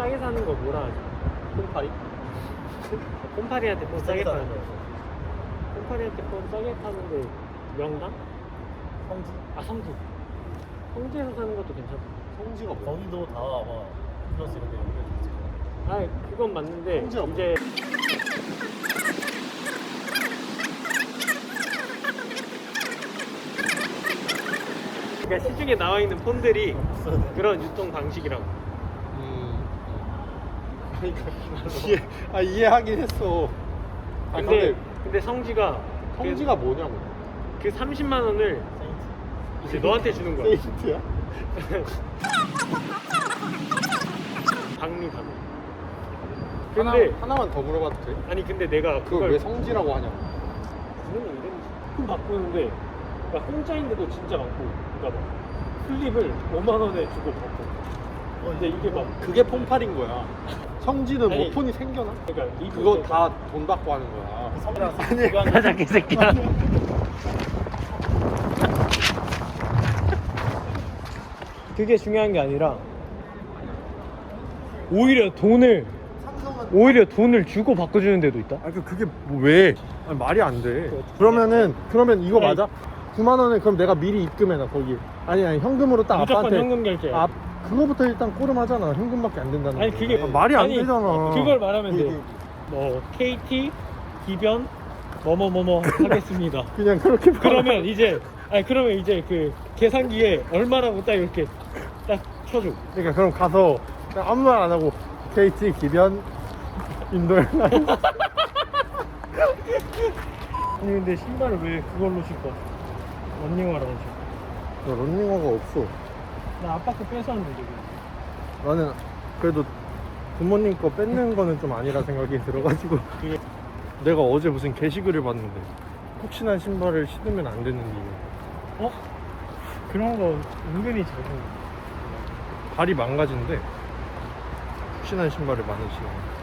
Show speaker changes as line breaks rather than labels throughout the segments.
싸게 사는 거 뭐라 하지?
콩파리?
콩파리한테 폰 싸게 파는 거.
거.
콩파리한테 폰 싸게 파는데 명당?
성지?
아 성지. 성지에서 사는 것도 괜찮아.
성지가 뭐야? 거기도 다 아마 플러스 이런 데 연결돼 있지.
아 그건 맞는데
성지가
이제 그러니까 시중에 나와 있는 폰들이 그런 유통 방식이라고.
그러니까 이해하긴 했어.
근데 성지가
성지가 뭐냐고.
그 30만 원을 이제 너한테 주는 거야.
세인트야?
박리 가면. 근데
하나만 더 물어봐도 돼?
아니 근데 내가
그걸 왜 성지라고 하냐고.
그런 이름이지. 폰 바꾸는데 그러니까 공짜인데도 진짜 많고, 그러니까 막 클립을 5만 원에 주고 바꿔. 근데 이게 막
그게 폰팔인 거야. 성지는
아니,
뭐 폰이 생겨나?
그러니까
그거 다 돈 받고 하는 거야.
아니 가자 개새끼야. 그게 중요한 게 아니라 오히려 돈을 주고 바꿔주는 데도 있다.
아 그게 뭐 왜? 아니, 말이 안 돼. 그러면 이거
아니,
맞아? 9만 원에 그럼 내가 미리 입금해놔 거기. 아니 현금으로 딱
무조건
아빠한테.
현금 결제.
그거부터 일단 꼬름하잖아. 현금밖에 안 된다는
아니
거.
그게
말이 안
아니,
되잖아.
그걸 말하면 돼. 뭐 KT 기변 뭐뭐뭐뭐 하겠습니다.
그냥 그렇게
그러면 이제 그 계산기에 얼마라고 딱 이렇게 딱 쳐줘.
그러니까 그럼 가서 그냥 아무 말 안 하고 KT 기변 인도에어라인.
아니 근데 신발을 왜 그걸로 신고 런닝화라고 신고?
런닝화가 없어.
나 아빠 거 뺏었는데 지금.
나는 그래도 부모님 거 뺏는 거는 좀 아니라 생각이 들어가지고.
그게
내가 어제 무슨 게시글을 봤는데 혹시나 신발을 신으면 안 되는 이유.
그런 거 은근히 작은.
발이 망가진대. 혹시나 신발을 많이 신으면.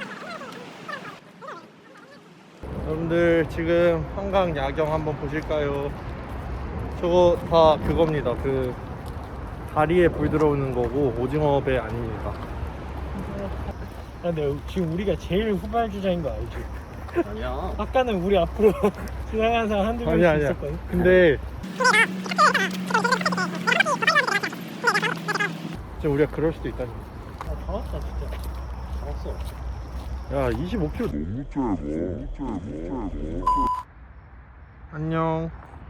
여러분들 지금 한강 야경 한번 보실까요? 저거 다 그겁니다. 그 다리에 불 들어오는 거고 오징어 배 아닙니다.
아, 근데 지금 우리가 제일 후발주자인 거 알지?
아니야.
아까는 우리 앞으로 지나가는 사람 한두 명씩
아니야.
있었거든.
근데 지금 우리가 그럴 수도 있다니.
아, 다 왔다 진짜.
다 왔어. 야 25km 너무 짧아. 안녕.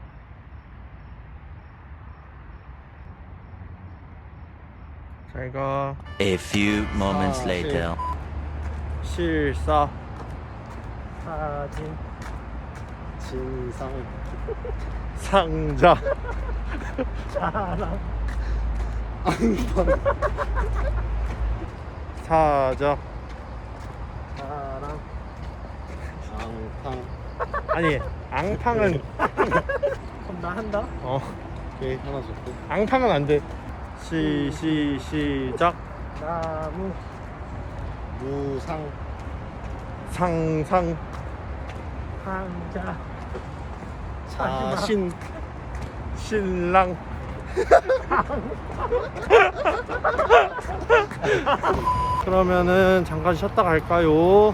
잘가.
A few moments
아,
later.
실사
사진.
진상 상자
사람.
사자
사람.
앙팡. 아니 앙팡은
그럼 나 한다?
오케이 하나 줬고 앙팡은 안돼. 시작.
나무.
무상 상상
상자.
자신 신랑 그러면은 잠깐 쉬었다 갈까요?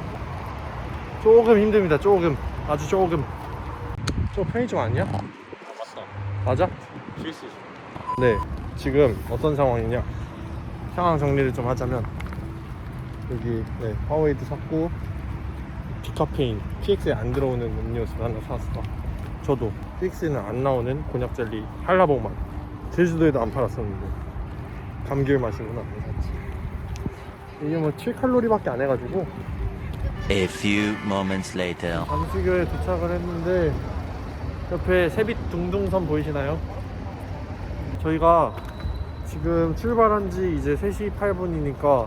조금 힘듭니다. 조금 아주 조금. 저 편의점 아니야?
맞다.
맞아?
실수.
네 지금 어떤 상황이냐 상황 정리를 좀 하자면 여기 파워에이드 샀고 디카페인 PX에 안 들어오는 음료수 하나 샀어. 저도 PX에는 안 나오는 곤약 젤리 한라봉만 제주도에도 안 팔았었는데 감귤 맛이구나 샀지. 이게 뭐 7칼로리밖에 안 해가지고.
A few moments later.
잠수교에 도착을 했는데 옆에 세빛 둥둥섬 보이시나요? 저희가 지금 출발한 지 이제 3시 8분이니까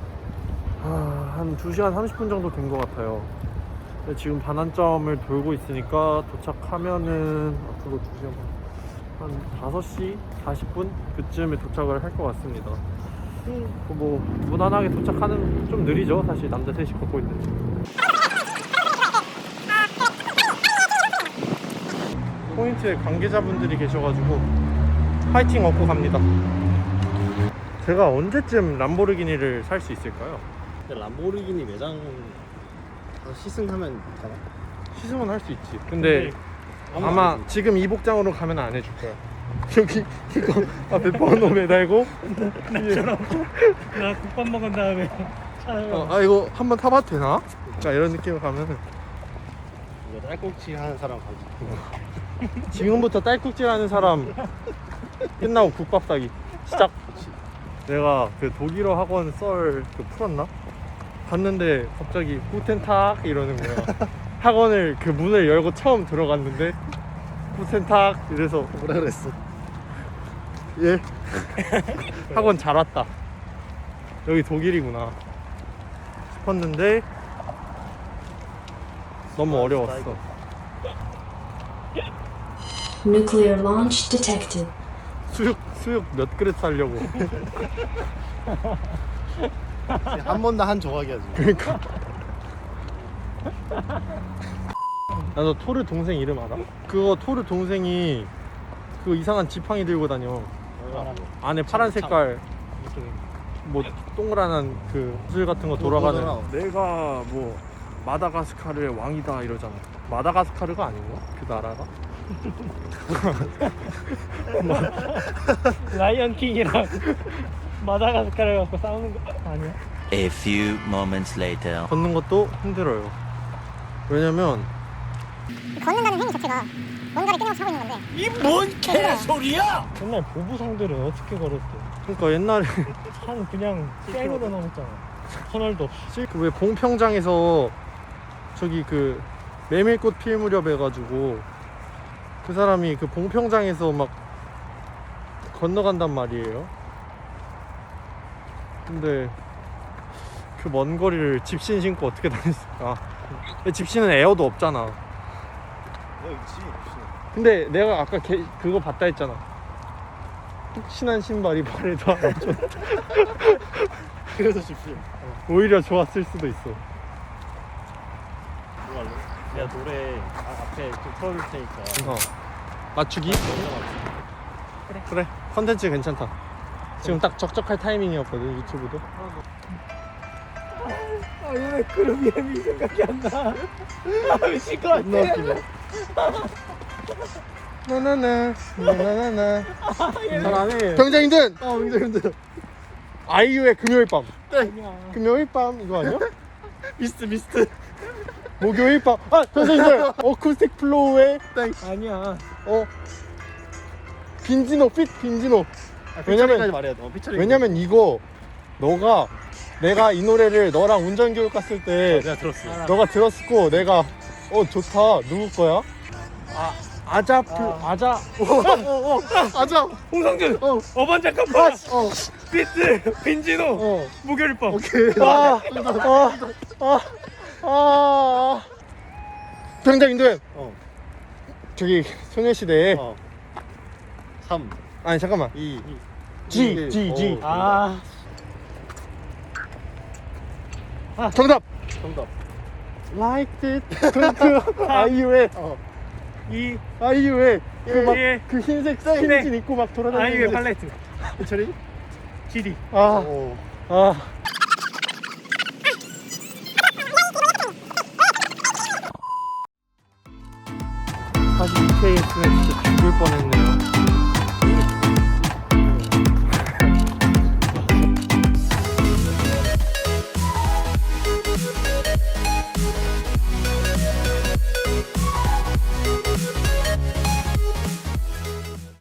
한 2시간 30분 정도 된 것 같아요. 근데 지금 반환점을 돌고 있으니까 도착하면은 앞으로 2시간 한 5시 40분 그쯤에 도착을 할 것 같습니다. 뭐 무난하게 도착하는 좀 느리죠 사실 남자 셋이 걷고 있는데. 포인트에 관계자분들이 계셔가지고 파이팅 얻고 갑니다. 제가 언제쯤 람보르기니를 살 수 있을까요?
근데 람보르기니 매장 가서 시승하면 되나?
시승은 할 수 있지. 근데 아마 지금 이 복장으로 가면 안 해줄 거야. 여기 이거 앞에 번호 매달고
나 국밥 먹은 다음에
아 이거 한번 타봐도 되나? 그러니까 이런 느낌으로 가면은
이거 딸꾹질 하는 사람 가지고
지금부터 딸꾹질 하는 사람 끝나고 국밥 사기 시작. 내가 그 독일어 학원 썰 그 풀었나? 갔는데 갑자기 구텐탁 이러는 거야. 학원을 그 문을 열고 처음 들어갔는데 구텐탁 이래서
뭐라 그랬어?
예 학원 잘 왔다. 여기 독일이구나 싶었는데 너무 어려웠어.
Nuclear launch detected.
수육 몇 그릇 살려고.
한 번 더 한 조각이 하지.
그러니까 나도 토르 동생 이름 알아? 그거 토르 동생이 그 이상한 지팡이 들고 다녀. 안에 파란 색깔 뭐 동그란 그 구슬 같은 거 돌아가는. 내가 뭐 마다가스카르의 왕이다 이러잖아. 마다가스카르가 아닌가? 그 나라가?
라이언 킹이랑 마다가스카르 갖고 싸우는 거 아니야?
A few moments later.
걷는 것도 힘들어요. 왜냐면
걷는다는 행위 자체가 뭔가를 끊임없이 하고 있는 건데
이 뭔 개소리야! 옛날 보부상들은 어떻게 걸었대?
그러니까 옛날에
한 그냥 쌩으로 넘었잖아. 터널도 없이.
그 왜 봉평장에서 저기 그 메밀꽃 필 무렵 해가지고 그 사람이 그 봉평장에서 막 건너간단 말이에요. 근데 그 먼 거리를 집신 신고 어떻게 다녔을까? 집신은 에어도 없잖아.
내가 있지.
근데 내가 아까 그거 봤다 했잖아. 푹신한 신발이 발에도 안 좋다.
그래서 집중.
오히려 좋았을 수도 있어.
뭐 할래? 내가 노래 앞에 좀 틀어줄 테니까.
맞추기? 그래 컨텐츠 괜찮다. 지금 딱 적적할 타이밍이었거든 유튜브도.
아, 왜 그룹 이름이 생각이 안 나? 아, 미칠 것 같아.
나나나 나나나나.
잘하네.
병장님들
병장님들.
아이유의 금요일 밤.
아니야.
금요일 밤 이거 아니야?
미스트.
목요일 밤. 아 병장님들 어쿠스틱 플로우의
아니야.
빈지노 빈지노.
피처링까지 말해야 돼. 피처링.
왜냐면 이거 너가 내가 이 노래를 너랑 운전 교육 갔을 때
내가 들었어.
너가 들었고 내가 좋다 누구 거야? 아자
아자.
홍성준. 어반자카파. 비트. 빈지노. 목요일 밤.
오케이.
병장님들
어.
저기 소녀시대에
3,
아니 잠깐만
2,
G.
아.
정답
정답.
Like it 그 아이유의
이
아이유의
예.
그 흰색 스킨진 입고 막 돌아다니는
아이유의
거.
팔레트.
피처링?
GD.
오.
사실 EKS는 진짜 죽을 뻔했네요.